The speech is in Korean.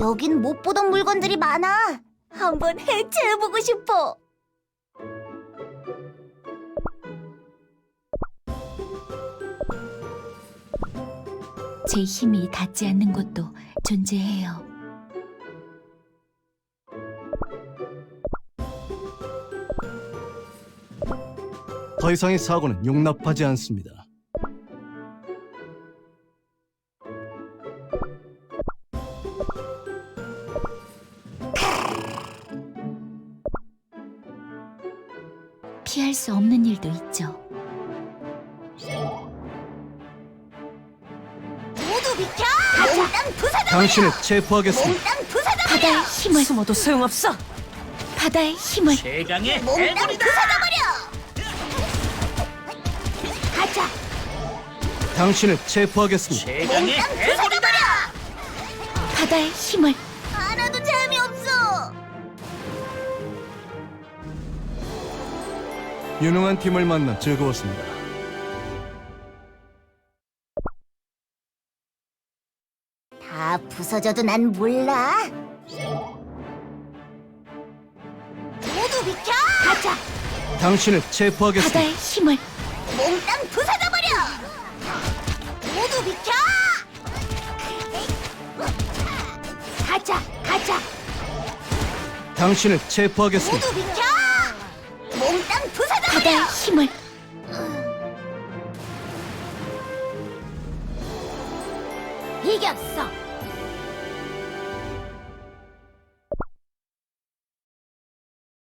여긴 못 보던 물건들이 많아. 한번 해체해보고 싶어. 제 힘이 닿지 않는 곳도 존재해요. 더 이상의 사고는 용납하지 않습니다. 피할 수 없는 일도 있죠. 모두 비켜! 몽땅 부숴져버려! 당신을 체포하겠습니다. 몽땅 부숴져버려! 바다의 힘을, 숨어도 소용없어. 바다의 힘을. 최강의 몽땅 해골이다. 부숴져버려! 가자! 당신을 체포하겠습니다. 최강의 몽땅 해골이다. 부숴져버려! 바다의 힘을. 하나도 재미없어! 유능한 팀을 만나 즐거웠습니다. 다 부서져도 난 몰라. 모두 비켜! 가자! 당신을 체포하겠습니다. 바다의 힘을. 몽땅 부숴져버려! 모두 비켜! 가자! 가자! 당신을 체포하겠습니다. 모두 비켜! 몽땅 부숴져버려! 바다의 힘을. 이겼어!